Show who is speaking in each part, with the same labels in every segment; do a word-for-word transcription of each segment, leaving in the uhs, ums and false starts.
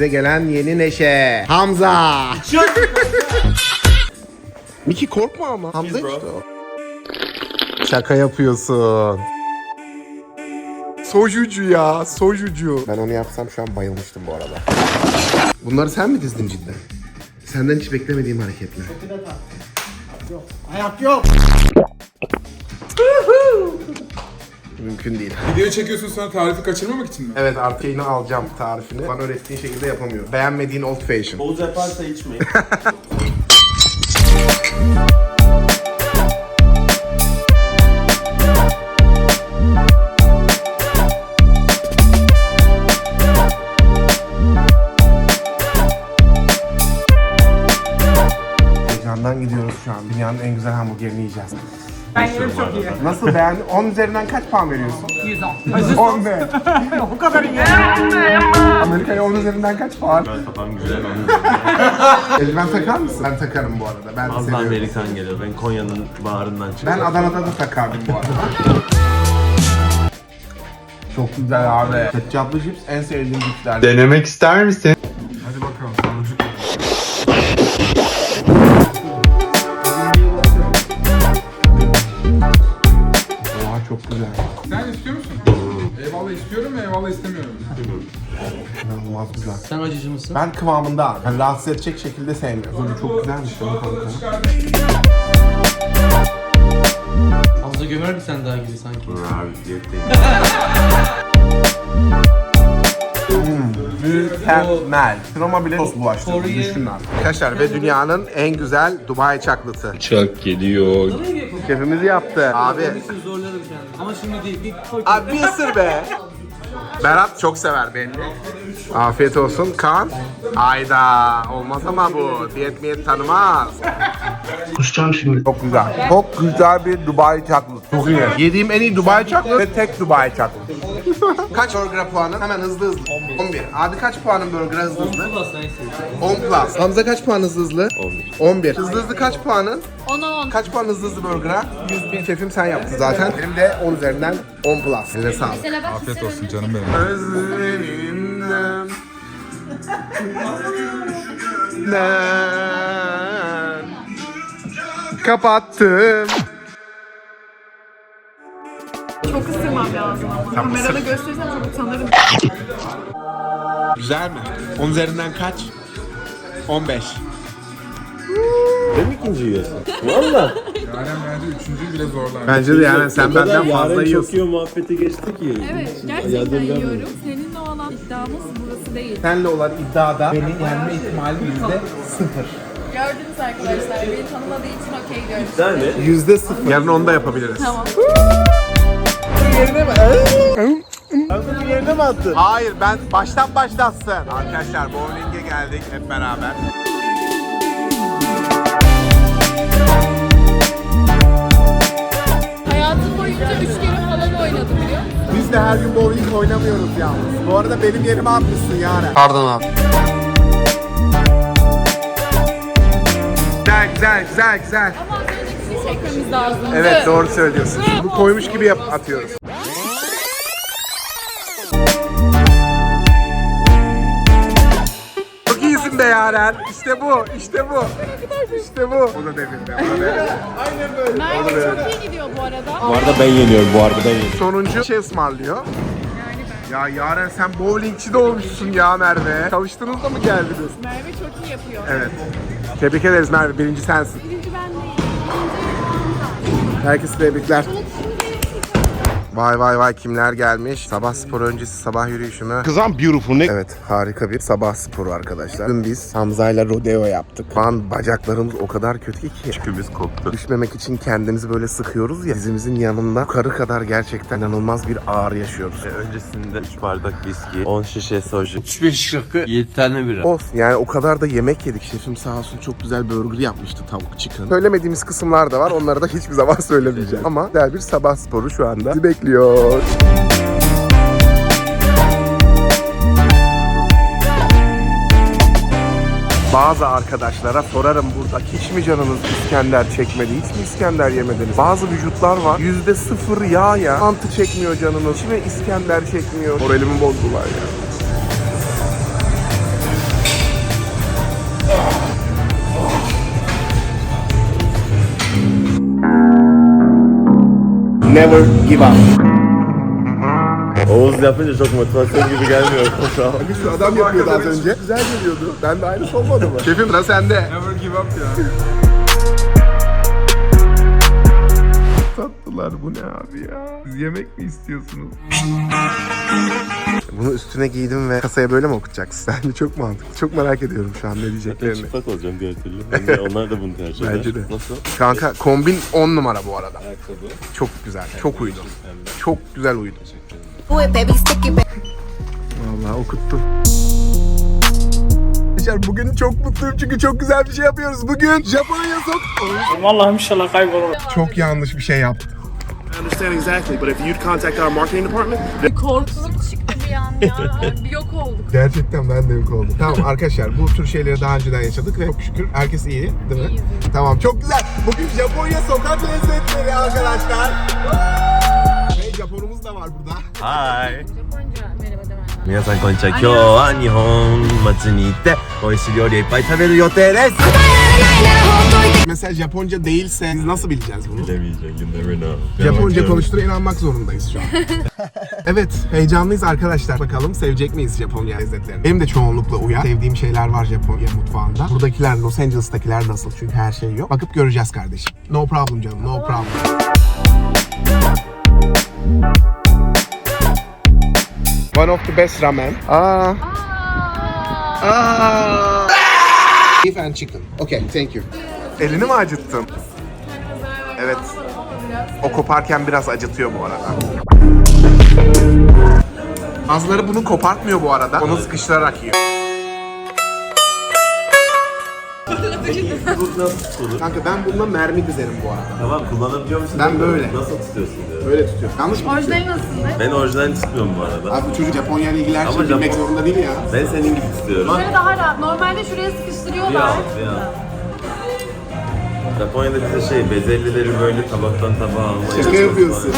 Speaker 1: Evimize gelen yeni neşe. Hamza. Miki korkma ama. Hamza işte o. Şaka yapıyorsun. Sojucu ya, sojucu. Ben onu yapsam şu an bayılmıştım bu arada. Bunları sen mi dizdin cidden? Senden hiç beklemediğim hareketler.
Speaker 2: Yok. Ayak yok.
Speaker 1: Mümkün değil.
Speaker 3: Video çekiyorsun sonra tarifi kaçırmamak için mi?
Speaker 1: Evet, artık yayını alacağım tarifini. Bana öğrettiğin şekilde yapamıyorum. Beğenmediğin old fashion.
Speaker 4: Oğuz yaparsa içmeyin.
Speaker 1: Heyecandan gidiyoruz şu an. Dünyanın en güzel hamburgerini yiyeceğiz.
Speaker 2: Ben yerim çok iyi.
Speaker 1: Nasıl beğendin? on üzerinden kaç puan veriyorsun?
Speaker 2: yüz on.
Speaker 1: on be.
Speaker 2: O kadar iyi.
Speaker 1: Amerika'ya on üzerinden kaç puan?
Speaker 4: Ben taban güzel onu.
Speaker 1: Eldiven takar mısın? Ben takarım bu arada. Ben
Speaker 4: Az da
Speaker 1: seviyorum.
Speaker 4: Amerikan geliyor. Ben Konya'nın bağrından çıktım.
Speaker 1: Ben Adana'da da takardım bu arada. Çok güzel abi. Ketçaplı cips en sevdiğim cipsler.
Speaker 5: Denemek ister misin?
Speaker 3: Hadi bakalım. Sarılcık.
Speaker 1: Oha çok güzel.
Speaker 3: Sen istiyor musun? Eyvallah istiyorum ve eyvallah istemiyorum.
Speaker 1: İnanılmaz güzel.
Speaker 6: Sen acıcı mısın?
Speaker 1: Ben kıvamında abi. Yani rahatsız edecek şekilde sevmiyorum. Bu çok güzelmiş ya kanka.
Speaker 6: Hamza gömer bir sen daha gibi sanki.
Speaker 4: Abi diyetteyim.
Speaker 1: Mükemmel. Sinema bile sos bulaştı.
Speaker 6: Kore'ye-
Speaker 1: Düşün abi. Arkadaşlar ve dünyanın en güzel Dubai çaklısı.
Speaker 5: Çok geliyor.
Speaker 1: Şefimiz yaptı. Abi.
Speaker 6: Şimdi zorlarım kendimi. Ama şimdi değil. Bir koy.
Speaker 1: Abi bir ısır be. Berat çok sever belli. Afiyet olsun. Kaan. Ayda. Olmaz ama bu. Diyet miyet tanımaz. Kusacağım şimdi. Çok güzel. Çok güzel bir Dubai çaklısı. Çok iyi. Yediğim en iyi Dubai çaklısı ve tek Dubai çaklısı. Kaç burger puanın? Hemen hızlı hızlı. on bir. Abi kaç puanın burger hızlı hızlı?
Speaker 6: Allah sen istiyorsun.
Speaker 1: on plus. Hamza kaç puan hızlı hızlı? on bir. on bir. Hızlı hızlı kaç puanın?
Speaker 7: on on.
Speaker 1: Kaç puan hızlı hızlı burger'a? yüz bin. Şefim sen yaptın zaten. Benim de on üzerinden on plus. Size sağlık.
Speaker 7: Mesela bak
Speaker 3: Afiyet olsun canım benim.
Speaker 1: Özlerinden kapattım.
Speaker 7: çok ısırmam lazım ama. Kamerada gösterirsem çok utanırım.
Speaker 1: Güzel mi? on üzerinden kaç? on beş.
Speaker 4: Ben mi ikinci yiyorsun? Valla.
Speaker 3: Yaren bence üçüncüyü bile zorlar.
Speaker 1: Bence de yani sen benden fazla
Speaker 4: Yaren çok
Speaker 1: yiyorsun.
Speaker 4: yiyor muhabbeti geçti ki.
Speaker 7: Evet, gerçekten yiyorum. Seninle olan iddiamız burası değil.
Speaker 1: Senle olan iddiada beni yenme ihtimali yüzde sıfır.
Speaker 7: Gördünüz arkadaşlar, beni tanımadığı için okey görmüş.
Speaker 4: Yani
Speaker 1: Yüzde sıfır. Yarın onu da yapabiliriz.
Speaker 7: Tamam.
Speaker 1: Yerine mi attın? Hayır, ben baştan başlatsın. Arkadaşlar bowling'e geldik hep beraber.
Speaker 7: Hayatım boyunca üç kere falan oynadım biliyor musun?
Speaker 1: Biz de her gün bowling oynamıyoruz yalnız. Bu arada benim yerime atmışsın Yaren.
Speaker 6: Pardon abi.
Speaker 1: Güzel güzel güzel güzel.
Speaker 7: Ama az önceki şey çekmemiz lazım.
Speaker 1: Evet doğru söylüyorsun. Bunu koymuş gibi yap atıyoruz. Çok iyisin be Yaren. İşte bu, işte bu. İşte bu. O da devirdi. O da devirdi.
Speaker 7: Merve çok iyi gidiyor bu arada.
Speaker 4: bu arada ben yeniyorum bu arada ben yeniyorum.
Speaker 1: Sonuncu şey ısmarlıyor. Ya Yaren sen bowlingçi de olmuşsun ya Merve. Çalıştınız da mı geldiniz?
Speaker 7: Merve çok iyi yapıyor.
Speaker 1: Evet. Tebrik ederiz Merve. Birinci sensin.
Speaker 7: Birinci ben değil. İkinci
Speaker 1: Herkese tebrikler.
Speaker 7: Hamza.
Speaker 1: Vay vay vay kimler gelmiş. Sabah spor öncesi sabah yürüyüşü mü? Kızım beautiful ne? Evet harika bir sabah sporu arkadaşlar. Dün biz Hamza'yla rodeo yaptık. Şu an bacaklarımız o kadar kötü ki.
Speaker 4: Çükümüz koptu.
Speaker 1: Düşmemek için kendimizi böyle sıkıyoruz ya. Dizimizin yanında yukarı kadar gerçekten inanılmaz bir ağrı yaşıyoruz.
Speaker 4: Ve öncesinde üç bardak viski, on şişe soju, üç beş şıkkı, yedi tane bira.
Speaker 1: Olsun yani o kadar da yemek yedik. Şefim sağ olsun çok güzel burger yapmıştı, tavuk chicken. Söylemediğimiz kısımlar da var. Onları da hiçbir zaman söylemeyeceğim. Ama güzel bir sabah sporu şu anda bizi bekliyor. Bazı arkadaşlara sorarım burada, hiç mi canınız İskender çekmedi, hiç mi İskender yemediniz? Bazı vücutlar var yüzde sıfır yağ ya, mantı çekmiyor canınız, hiç mi İskender çekmiyor? Moralimi bozdular ya. Never give up.
Speaker 4: Oğuz yapınca çok motivasyon gibi gelmiyor şu an.
Speaker 1: Şu adam yapıyordu az önce. Güzel geliyordu. Ben de aynısı olmadı mı? Şefim sıra sende.
Speaker 3: Never give up ya.
Speaker 1: Tatlılar bu ne abi ya? Siz yemek mi istiyorsunuz? Bunu üstüne giydim ve kasaya böyle mi okutacaksın? Bence çok mantıklı. Çok merak ediyorum şu an ne diyeceklerini.
Speaker 4: Çıplak olacağım diğer türlü. Bence onlar da bunu tercih eder.
Speaker 1: Bence de.
Speaker 4: Nasıl?
Speaker 1: Kanka kombin on numara bu arada.
Speaker 4: Ayakkabı.
Speaker 1: Çok güzel. Çok uydu. Çok güzel uydu. Vallahi okuttum. Arkadaşlar bugün çok mutluyum çünkü çok güzel bir şey yapıyoruz. Bugün Japonya sok...
Speaker 2: Vallahi inşallah kaybolur.
Speaker 1: Çok yanlış bir şey yaptım.
Speaker 8: I understand exactly, but if you'd contact our marketing department,
Speaker 7: Korkuluk çıktı bir an ya. Bir yok olduk.
Speaker 1: Gerçekten ben de yok oldum. Tamam arkadaşlar bu tür şeyleri daha önceden yaşadık ve çok şükür herkes iyi değil mi?
Speaker 7: İyiyiz.
Speaker 1: Tamam çok güzel. Bugün Japonya sokak lezzetleri arkadaşlar. Ve Japonumuz da var burada.
Speaker 4: Hi.
Speaker 7: Japonca merhaba demem lazım.
Speaker 4: 皆さんこんにちは。今日は日本町に行って美味しい料理をいっぱい食べる予定です。
Speaker 1: Mesela Japonca değilse biz nasıl bileceğiz bunu?
Speaker 4: Bilemeyeceğim. You never know.
Speaker 1: Japonca konuştuğuna inanmak zorundayız şu an. Evet, heyecanlıyız arkadaşlar. Bakalım sevecek miyiz Japonya lezzetlerini? Benim de çoğunlukla uyar. Sevdiğim şeyler var Japonya mutfağında. Buradakiler, Los Angeles'takiler nasıl? Çünkü her şey yok. Bakıp göreceğiz kardeşim. No problem canım, no problem. One of the best ramen. Aa. Aa. Beef and chicken. Okay, thank you. Elini mi acıttın? Evet. O koparken biraz acıtıyor bu arada. Bazıları bunu kopartmıyor bu arada. Onu sıkıştırarak yiyor. Kanka ben bununla mermi dizerim bu arada.
Speaker 4: Tamam kullanabiliyor musun?
Speaker 1: Ben böyle.
Speaker 4: Nasıl tutuyorsun diyor.
Speaker 1: Böyle tutuyorum. Yanlış mı?
Speaker 7: Orijinali nasıldı?
Speaker 4: Ben orijinal tutmuyorum bu arada.
Speaker 1: Abi bu çocuk Japonya ile ilgili her
Speaker 4: Ama
Speaker 1: şeyi bilmek
Speaker 4: Japon-
Speaker 1: zorunda değil ya.
Speaker 4: Ben senin gibi tutuyorum.
Speaker 7: Şöyle daha rahat. Normalde şuraya
Speaker 4: Bir
Speaker 7: sıkıştırıyorlar.
Speaker 4: al, bir al. Japonya'da bize şey bezellileri böyle tabaktan tabağa almayı.
Speaker 1: Şaka yapıyorsun.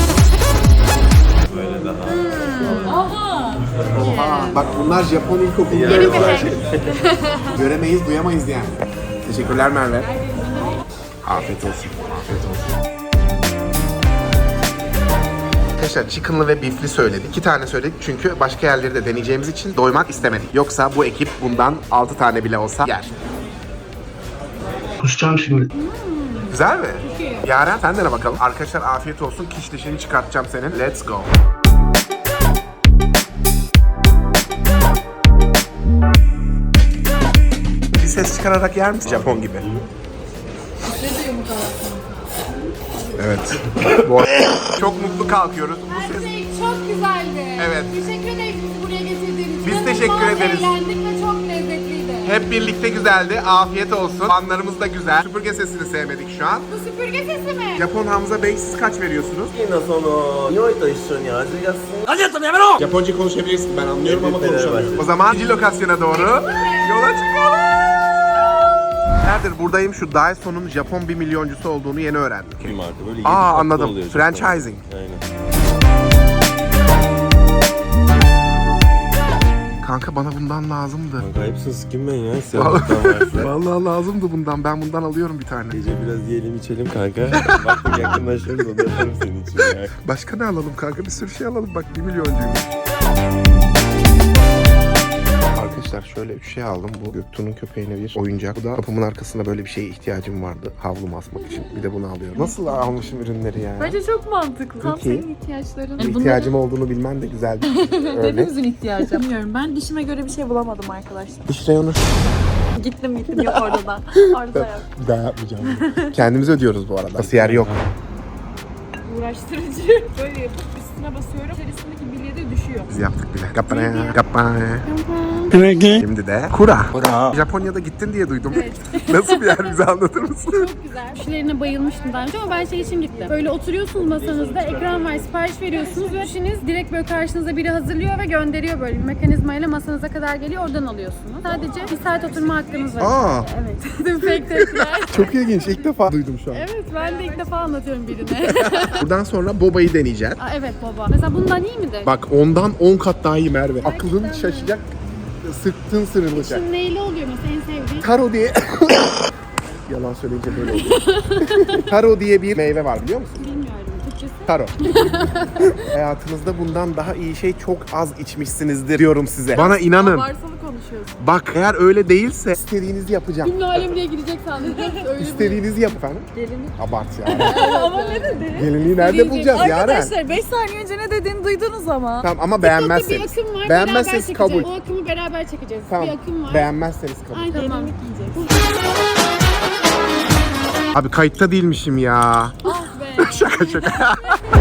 Speaker 4: Böyle daha.
Speaker 7: Aha.
Speaker 1: Oha. Bak bunlar Japon ilkokulu.
Speaker 4: Yani
Speaker 7: Yeni bir
Speaker 4: var.
Speaker 7: hack.
Speaker 1: Göremeyiz, duyamayız yani. Teşekkürler Merve. Afiyet olsun. Afiyet olsun. Arkadaşlar chicken'lı ve beef'li söyledik. İki tane söyledik çünkü başka yerleri de deneyeceğimiz için doymak istemedik. Yoksa bu ekip bundan altı tane bile olsa yer.
Speaker 2: Kusacağım şimdi.
Speaker 1: Güzel mi? Yaren sen dene bakalım. Arkadaşlar afiyet olsun. Kiş dişini çıkartacağım senin. Let's go. Bir ses çıkararak yer misin? Japon gibi. Evet. Bu arada çok mutlu kalkıyoruz. Bu
Speaker 7: Her
Speaker 1: ses...
Speaker 7: şey çok güzeldi.
Speaker 1: Evet.
Speaker 7: Teşekkür ederiz bizi buraya getirdiğiniz için.
Speaker 1: Biz
Speaker 7: İnanılmaz
Speaker 1: teşekkür ederiz.
Speaker 7: eğlendik ve çok lezzetliydi.
Speaker 1: Hep birlikte güzeldi. Afiyet olsun. Fanlarımız da güzel. Süpürge sesini sevmedik şu an.
Speaker 7: Bu süpürge sesi mi?
Speaker 1: Japon Hamza Bey siz kaç veriyorsunuz?
Speaker 4: 好きなその匂いと一緒に味がする
Speaker 1: Japonca konuşabilirsin. Ben anlıyorum ama
Speaker 4: Fenerbahçe.
Speaker 1: konuşamıyorum. O zaman ikinci lokasyona doğru yola çıkalım. Neredir? Buradayım. Şu Daiso'nun Japon bir milyoncusu olduğunu yeni öğrendim.
Speaker 4: bir marka böyle yedi
Speaker 1: Aa
Speaker 4: katlı
Speaker 1: anladım.
Speaker 4: oluyor
Speaker 1: Franchising.
Speaker 4: Aynen.
Speaker 1: Kanka bana bundan lazımdı.
Speaker 4: Kanka hepsi skin ben ya. Siyahlıktan varsa.
Speaker 1: Vallahi lazımdı bundan. Ben bundan alıyorum bir tane.
Speaker 4: Gece biraz yiyelim içelim kanka. Baktık yakınlaşıyoruz onu yaparım senin için ya.
Speaker 1: Başka ne alalım kanka? Bir sürü şey alalım. Bak bir milyoncuymuş. Arkadaşlar şöyle üç şey aldım. Bu Göktuğ'un köpeğine bir oyuncak. Bu da kapımın arkasında böyle bir şeye ihtiyacım vardı. Havlu asmak için. Bir de bunu alıyorum. Nasıl almışım ürünleri ya?
Speaker 7: Bence çok mantıklı. Tam
Speaker 1: Peki.
Speaker 7: senin ihtiyaçların.
Speaker 1: İhtiyacım olduğunu bilmen de güzel bir örnek.
Speaker 7: Hepimizin ihtiyacı. Bilmiyorum, ben dişime göre bir şey bulamadım arkadaşlar.
Speaker 1: Diş reyonu.
Speaker 7: Gittim gittim yok orada da. Orada yok.
Speaker 1: Bir daha yapmayacağım. Kendimiz ödüyoruz bu arada. Kasiyer yok.
Speaker 7: Uğraştırıcı. Böyle yapıp üstüne basıyorum. İçerisindeki bilye de düşüyor.
Speaker 1: Biz yaptık bile. Kapana, kapana. Şimdi de kura. Japonya'da gittin diye duydum. Nasıl bir yer bize anlatır mısın?
Speaker 7: Çok güzel. Kişilerine bayılmıştım daha önce ama ben şey için gittim. Böyle oturuyorsunuz masanızda, ekran var, sipariş veriyorsunuz ve kişiniz direkt böyle karşınıza biri hazırlıyor ve gönderiyor böyle bir mekanizmayla masanıza kadar geliyor, oradan alıyorsunuz. Sadece bir saat oturma hakkınız var.
Speaker 1: Aa.
Speaker 7: Evet. Tüm fake tepkiler.
Speaker 1: Çok ilginç. İlk defa duydum şu an.
Speaker 7: Evet, ben de ilk defa anlatıyorum birine.
Speaker 1: Buradan sonra boba'yı deneyeceğiz.
Speaker 7: Aa, evet baba. Mesela bundan iyi midir?
Speaker 1: Bak ondan on kat daha iyi Merve. Aklın şaşacak, sırtın sırılacak.
Speaker 7: Şimdi neyli oluyor mesela en sevdiğin?
Speaker 1: Taro diye... Yalan söyleyince böyle oluyor. Taro diye bir meyve var biliyor musun?
Speaker 7: Bilmiyorum. Türkçesi?
Speaker 1: Taro. Hayatınızda bundan daha iyi şey çok az içmişsinizdir diyorum size. Bana inanın.
Speaker 7: Varsalı konuşuyorsun.
Speaker 1: Bak eğer öyle değilse istediğinizi yapacağım.
Speaker 7: Cümle alem diye girecek sandım. Öyle
Speaker 1: İstediğinizi yap efendim.
Speaker 7: Gelinlik.
Speaker 1: Abart ya.
Speaker 9: Ama ne dedi?
Speaker 1: Gelinliği nerede bulacağız Yaren?
Speaker 9: Arkadaşlar beş saniye önce ne dediğini duydunuz ama.
Speaker 1: Tamam ama
Speaker 7: Bir
Speaker 1: beğenmezseniz.
Speaker 7: akım var.
Speaker 1: Beğenmezseniz
Speaker 7: beraber
Speaker 1: kabul.
Speaker 7: çekeceğiz. O akımı beraber çekeceğiz.
Speaker 1: Tamam.
Speaker 7: Bir akım var.
Speaker 1: Beğenmezseniz kabul.
Speaker 7: Ay tamam.
Speaker 1: Abi kayıtta değilmişim ya.
Speaker 7: Ah be.
Speaker 1: Şaka şaka.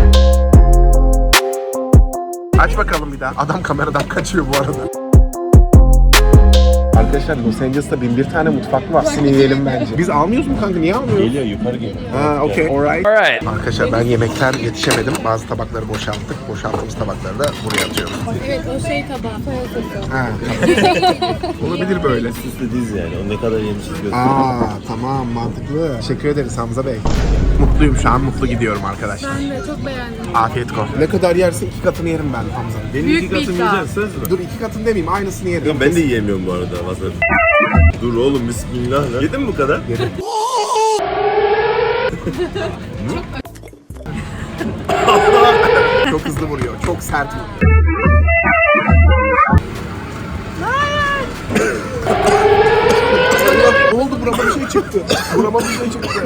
Speaker 1: Aç bakalım bir daha. Adam kameradan kaçıyor bu arada. Arkadaşlar Los Angeles'ta bin bir tane mutfak var. Sini yiyelim bence. Biz almıyoruz mu kanka? Niye almıyoruz?
Speaker 4: Geliyor yukarı geliyor.
Speaker 1: Ha, okey. Alright. Arkadaşlar ben yemekten yetişemedim. Bazı tabakları boşalttık. Boşalttığımız tabakları da buraya atıyoruz.
Speaker 7: Evet o şey tabağı. Soya sosu.
Speaker 1: Ha, tamam. Olabilir böyle.
Speaker 4: Süslü diz yani. O ne kadar yemişiz gösteriyor.
Speaker 1: Aa tamam mantıklı. Teşekkür ederiz Hamza Bey. Mutluyum şu an. Mutlu gidiyorum arkadaşlar.
Speaker 7: Ben de çok beğendim.
Speaker 1: Afiyet olsun. Ne kadar yersin iki katını yerim ben Hamza.
Speaker 4: Benim
Speaker 7: Büyük
Speaker 4: iki
Speaker 7: bir
Speaker 4: katım
Speaker 7: iddia.
Speaker 4: yiyeceksin söz mü?
Speaker 1: Dur iki katını demeyeyim aynısını yerim.
Speaker 4: Yok, ben de yiyemiyorum bu arada wasabi. Dur oğlum bismillah ya. Yedin mi bu kadar?
Speaker 1: Yedim. Çok hızlı vuruyor. Çok sert vuruyor. Allah, ne oldu? Burama bir şey çıktı. Burama bir şey çıktı.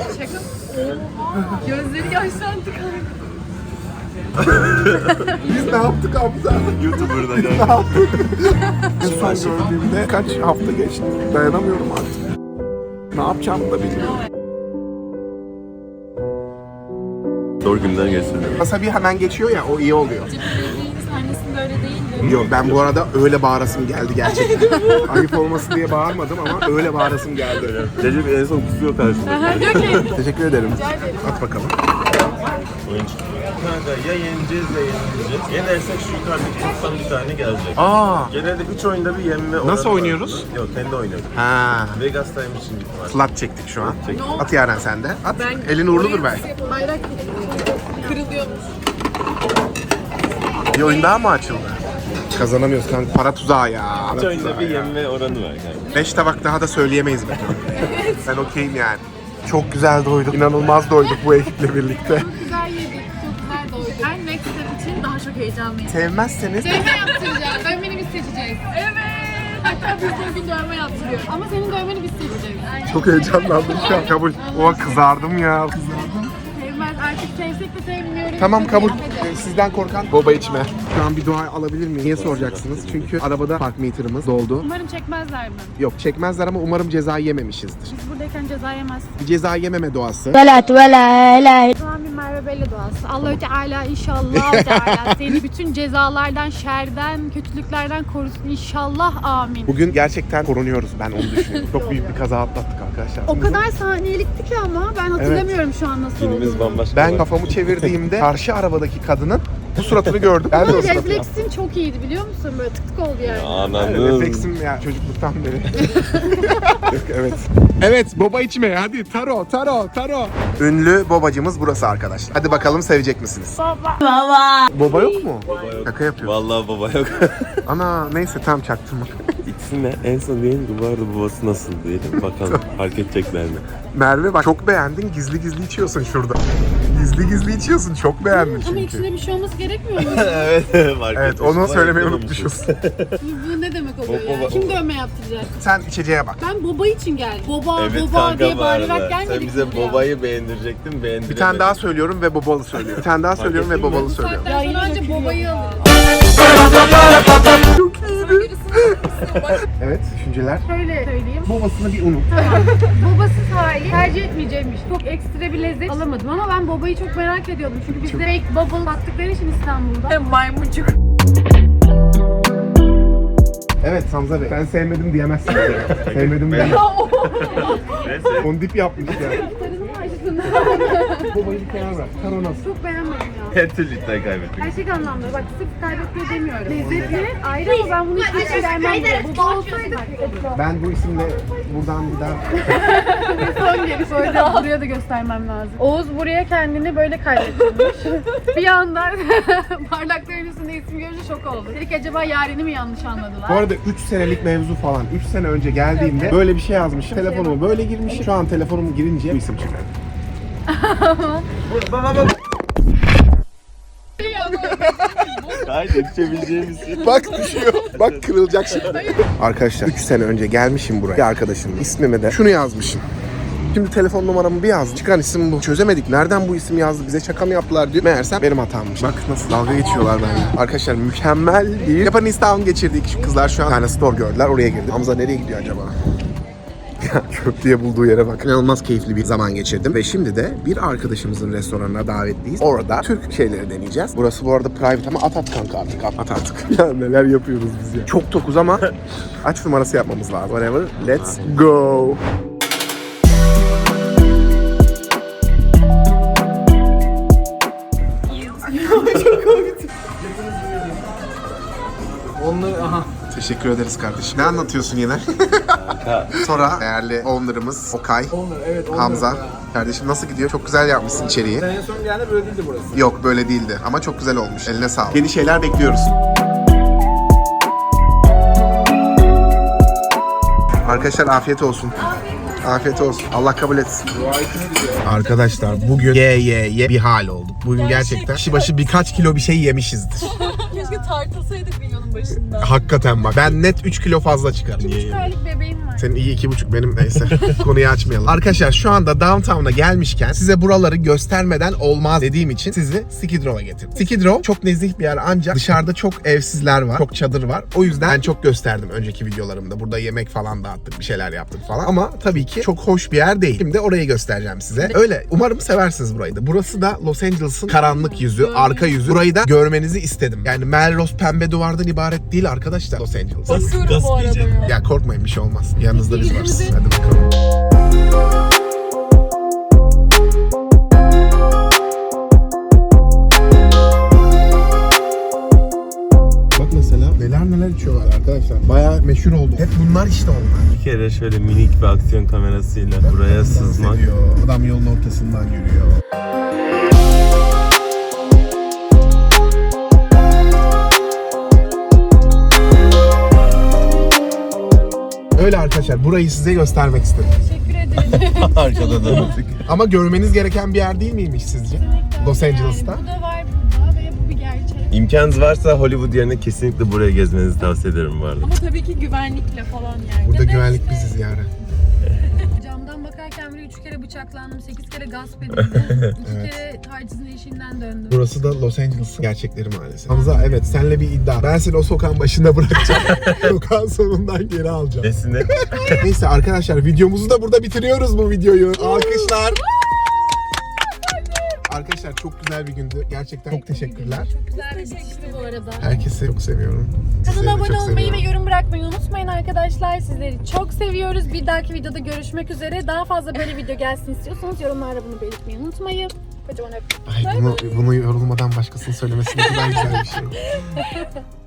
Speaker 7: Gözleri yaşlandı kanka.
Speaker 1: Biz ne yaptık Hamza?
Speaker 4: YouTuber'da
Speaker 1: Ne
Speaker 4: kanka.
Speaker 1: yaptık? En son gördüğümde kaç hafta geçti. Dayanamıyorum artık. Ne yapacağımı da bilmiyorum.
Speaker 4: Zor günler geçirdim.
Speaker 1: Wasabi hemen geçiyor ya, o iyi oluyor.
Speaker 7: Annesinde öyle değildi.
Speaker 1: Yok ben bu arada öyle bağırasım geldi gerçekten. Ayıp olmasın diye bağırmadım ama öyle bağırasım geldi.
Speaker 4: Recep en son kusuyor karşımda.
Speaker 1: Teşekkür ederim. At bakalım.
Speaker 4: Oyun çıkıyor. Kanka ya yeneceğiz ya yenileceğiz. Yenersek şu yukarıdaki kutudan bir tane gelecek.
Speaker 1: Aa.
Speaker 4: Genelde üç oyunda bir yenme oranı
Speaker 1: Nasıl
Speaker 4: var.
Speaker 1: oynuyoruz?
Speaker 4: Yok kendi oynuyoruz.
Speaker 1: Ha.
Speaker 4: Vegas'taymış şimdi var.
Speaker 1: Flat çektik şu an.
Speaker 4: Çektik.
Speaker 1: At Yaren sen de. At. Elin uğurludur belki.
Speaker 7: Bayrak kırılıyormuş.
Speaker 1: Bir oyun daha mı açıldı? Kazanamıyoruz kanka. Para tuzağı ya.
Speaker 4: Üç
Speaker 1: Para
Speaker 4: oyunda
Speaker 1: tuzağı
Speaker 4: bir
Speaker 1: ya.
Speaker 4: yenme oranı var kanka.
Speaker 1: Beş tabak daha da söyleyemeyiz be. Ben okeyim yani. Çok güzel doyduk. İnanılmaz doyduk bu ekiple birlikte.
Speaker 7: Çok güzel yedik. Çok güzel doyduk. Ben next step için daha çok heyecanlıyım.
Speaker 1: Sevmezseniz
Speaker 7: Dövme yaptıracağız. Dövmeni biz seçeceğiz. Evet. Hatta biz de bir dövme yaptırıyoruz. Ama senin dövmeni biz seçeceğiz.
Speaker 1: çok heyecanlandım şu an. Kabul. Oha kızardım ya.
Speaker 7: Sevmez. Artık sevsek de sevmiyoruz.
Speaker 1: Tamam kabul.
Speaker 7: Hadi.
Speaker 1: Ee, Sizden korkan boba içme. Şu an bir dua alabilir miyim? Niye soracaksınız? Çünkü arabada park meter'ımız doldu.
Speaker 7: Umarım çekmezler mi?
Speaker 1: Yok çekmezler ama umarım ceza yememişizdir.
Speaker 7: Biz buradayken ceza yemezsin.
Speaker 1: Bir ceza yememe duası.
Speaker 9: Velat vela ilahe.
Speaker 7: O zaman bir Merve Belli duası. Allah-u Teala inşallah Teala seni bütün cezalardan, şerden, kötülüklerden korusun inşallah amin.
Speaker 1: Bugün gerçekten korunuyoruz ben onu düşünüyorum. Çok büyük bir kaza atlattık arkadaşlar.
Speaker 7: O kadar saniyelikti ki ama ben hatırlamıyorum şu an nasıl
Speaker 4: Günümüz
Speaker 7: olduğunu.
Speaker 4: bambaşka.
Speaker 1: Ben
Speaker 4: var.
Speaker 1: kafamı çevirdiğimde karşı arabadaki kadının bu suratını gördüm. Ben de o
Speaker 7: Ama
Speaker 1: suratı yaptım.
Speaker 7: refleksin çok iyiydi biliyor musun? Böyle tık tık oldu yani.
Speaker 4: Ananın.
Speaker 1: Refleksim ya çocukluktan beri. Evet. Evet boba içmeye hadi taro taro taro. Ünlü bobacımız burası arkadaşlar. Hadi bakalım sevecek misiniz? Baba. Baba. Boba yok mu?
Speaker 4: Baba yok.
Speaker 1: Şaka yapıyor.
Speaker 4: Vallahi baba yok.
Speaker 1: Ana neyse tam çaktırma.
Speaker 4: İkisine en son diyelim ki bu arada babası nasıl diyelim bakalım fark edecekler mi?
Speaker 1: Merve bak çok beğendin gizli gizli içiyorsun şurada. Gizli gizli içiyorsun çok beğendin
Speaker 7: Ama
Speaker 1: çünkü.
Speaker 7: içinde bir şey olması gerekmiyor mu?
Speaker 4: evet fark
Speaker 1: Evet
Speaker 4: etmiş.
Speaker 1: onu
Speaker 4: Var,
Speaker 1: söylemeyi
Speaker 4: eklememişiz.
Speaker 1: unutmuşuz.
Speaker 7: Bu ne demek oluyor
Speaker 4: Baba,
Speaker 7: ya?
Speaker 4: baba.
Speaker 7: Kim dövme yaptıracak?
Speaker 1: Sen içeceğe bak.
Speaker 7: Ben boba için geldim. Boba,
Speaker 4: Evet
Speaker 7: boba
Speaker 4: kanka
Speaker 7: diye
Speaker 4: bu
Speaker 7: bağırarak
Speaker 4: arada.
Speaker 7: gelmedik.
Speaker 4: Sen bize
Speaker 7: buraya.
Speaker 4: babayı beğendirecektin beğendiremedin.
Speaker 1: Bir tane daha söylüyorum ve bobalı söylüyorum. Bir tane daha söylüyorum ve
Speaker 4: ettin mi?
Speaker 1: bobalı
Speaker 7: Bu
Speaker 1: söylüyorum.
Speaker 7: saatten sonra önce bobayı alırız.
Speaker 1: Evet düşünceler.
Speaker 7: Şöyle söyleyeyim.
Speaker 1: Bobasını bir unut.
Speaker 7: Babasız hali tercih etmeyeceğimmiş. Çok ekstra bir lezzet alamadım ama ben bobayı çok merak ediyordum. Çünkü bizde fake bubble sattıkları için İstanbul'da.
Speaker 9: Maymuncuk.
Speaker 1: Evet Hamza Bey. Sen sevmedim diyemezsin. Sevmedim diyemezsin. Onu dip yapmış ya.
Speaker 7: Gitarını mı açtın?
Speaker 1: Bobayı bir kenara bırak. Taro nasıl?
Speaker 7: Çok beğenmedim ya.
Speaker 4: Her türlü iddiayı kaybettik.
Speaker 7: Gerçek anlamda bak sırf kaybetmiyor demiyorum. Lezzetli ayrı ama ben bunu hiç hiç vermem bile. Baba olsaydı
Speaker 1: Ben bu isimle buradan bir daha...
Speaker 7: son gelip böyle buraya da göstermem lazım. Oğuz buraya kendini böyle kaybettirmiş. Bir anda bardakların üstünde isim görünce şok oldu. Dedik acaba Yaren'i mi yanlış anladılar?
Speaker 1: Bu arada üç senelik mevzu falan. üç sene önce geldiğimde böyle bir şey yazmışım. Telefonumu böyle girmişim. Şu an telefonum girince bu isim çıktı.
Speaker 4: Hayır yetişebileceğimiz şey.
Speaker 1: Bak düşüyor. Bak kırılacak şimdi. Arkadaşlar üç sene önce gelmişim buraya. Bir arkadaşımın ismime de şunu yazmışım. Şimdi telefon numaramı bir yazdım. Çıkan isim bu. Çözemedik. Nereden bu isim yazdı? Bize şaka mı yaptılar diyor. Meğersem benim hatammış. Bak nasıl dalga geçiyorlar benimle. Arkadaşlar mükemmel bir Japanese Town geçirdik. Şu kızlar şu an bir tane store gördüler. Oraya girdi. Hamza nereye gidiyor acaba? Ya köprüye bulduğu yere bak. İnanılmaz keyifli bir zaman geçirdim. Ve şimdi de bir arkadaşımızın restoranına davetliyiz. Orada Türk şeyleri deneyeceğiz. Burası bu arada private ama at at kanka artık. At, at artık. Ya neler yapıyoruz biz ya. Çok tokuz ama aç numarası yapmamız lazım. Whatever. Let's go.
Speaker 6: Onları aha.
Speaker 1: Teşekkür ederiz kardeşim. Ne anlatıyorsun yine? Sonra değerli owner'ımız Okay,
Speaker 6: Onlar evet onlar.
Speaker 1: Hamza. Kardeşim nasıl gidiyor? Çok güzel yapmışsın içeriği.
Speaker 6: En son geldi böyle değildi burası.
Speaker 1: Yok böyle değildi ama çok güzel olmuş. Eline sağlık. Yeni şeyler bekliyoruz. Arkadaşlar afiyet olsun. Afiyet olsun. Allah kabul etsin. Arkadaşlar bugün ye ye ye bir hal olduk. Bugün gerçekten kişi başı birkaç kilo bir şey yemişizdir.
Speaker 9: Keşke tartılsaydık videonun başında.
Speaker 1: Hakikaten bak. Ben net üç kilo fazla çıkarım.
Speaker 7: üç aylık bebeğim var.
Speaker 1: Senin iyi iki buçuk benim neyse. Konuyu açmayalım. Arkadaşlar şu anda downtown'a gelmişken size buraları göstermeden olmaz dediğim için sizi Skid Row'a getirdim. Skid Row çok nezih bir yer ancak dışarıda çok evsizler var. Çok çadır var. O yüzden ben çok gösterdim önceki videolarımda. Burada yemek falan dağıttık. Bir şeyler yaptık falan. Ama tabii ki çok hoş bir yer değil. Şimdi orayı göstereceğim size. Öyle. Umarım seversiniz burayı da. Burası da Los Angeles'ın karanlık yüzü, arka yüzü. Burayı da görmenizi istedim. Yani Melrose pembe duvardan ibaret değil arkadaşlar Los Angeles.
Speaker 9: Basıyorum bu arada ya.
Speaker 1: Ya korkmayın bir şey olmaz. Yanınızda biz varız. Hadi bakalım. Bak mesela neler neler içiyorlar arkadaşlar. Bayağı meşhur oldu. Hep bunlar işte onlar.
Speaker 4: Bir kere şöyle minik bir aksiyon kamerasıyla buraya sızmak.
Speaker 1: Ediyor. Adam yolun ortasından yürüyor. Öyle arkadaşlar burayı size göstermek istedim.
Speaker 7: Teşekkür ederim.
Speaker 4: Arkada da.
Speaker 1: Ama görmeniz gereken bir yer değil miymiş sizce? Los Angeles'ta.
Speaker 7: Yani bu da var burada ve bu bir gerçek.
Speaker 4: İmkanınız varsa Hollywood yerine kesinlikle buraya gezmenizi tavsiye ederim bu arada.
Speaker 9: Ama tabii ki güvenlikle falan yani.
Speaker 1: Burada
Speaker 7: Ya da
Speaker 1: güvenlik
Speaker 7: işte-
Speaker 1: biziz yani.
Speaker 7: Camdan bakarken bile üç kere bıçaklandım, sekiz kere gasp edildim, iki
Speaker 1: Evet.
Speaker 7: kere tacizin eşiğinden döndüm.
Speaker 1: Burası da Los Angeles'ın gerçekleri maalesef. Hamza evet senle bir iddia. Ben seni o sokağın başında bırakacağım. Sokağın sonundan geri alacağım.
Speaker 4: Nesine?
Speaker 1: Neyse arkadaşlar videomuzu da burada bitiriyoruz bu videoyu. Alkışlar. Arkadaşlar çok güzel bir gündü. Gerçekten çok teşekkürler.
Speaker 7: Çok güzel bir bitişti bu arada.
Speaker 1: Herkesi çok seviyorum. Sizleri
Speaker 7: Kanala
Speaker 1: de
Speaker 7: abone
Speaker 1: çok
Speaker 7: olmayı ve
Speaker 1: seviyorum.
Speaker 7: yorum bırakmayı unutmayın arkadaşlar. Sizleri çok seviyoruz. Bir dahaki videoda görüşmek üzere. Daha fazla böyle video gelsin istiyorsanız yorumlarda bunu belirtmeyi unutmayın. Kocaman öptüm.
Speaker 1: Ay bunu, bunu yorulmadan başkasının söylemesi ne kadar güzel bir şey.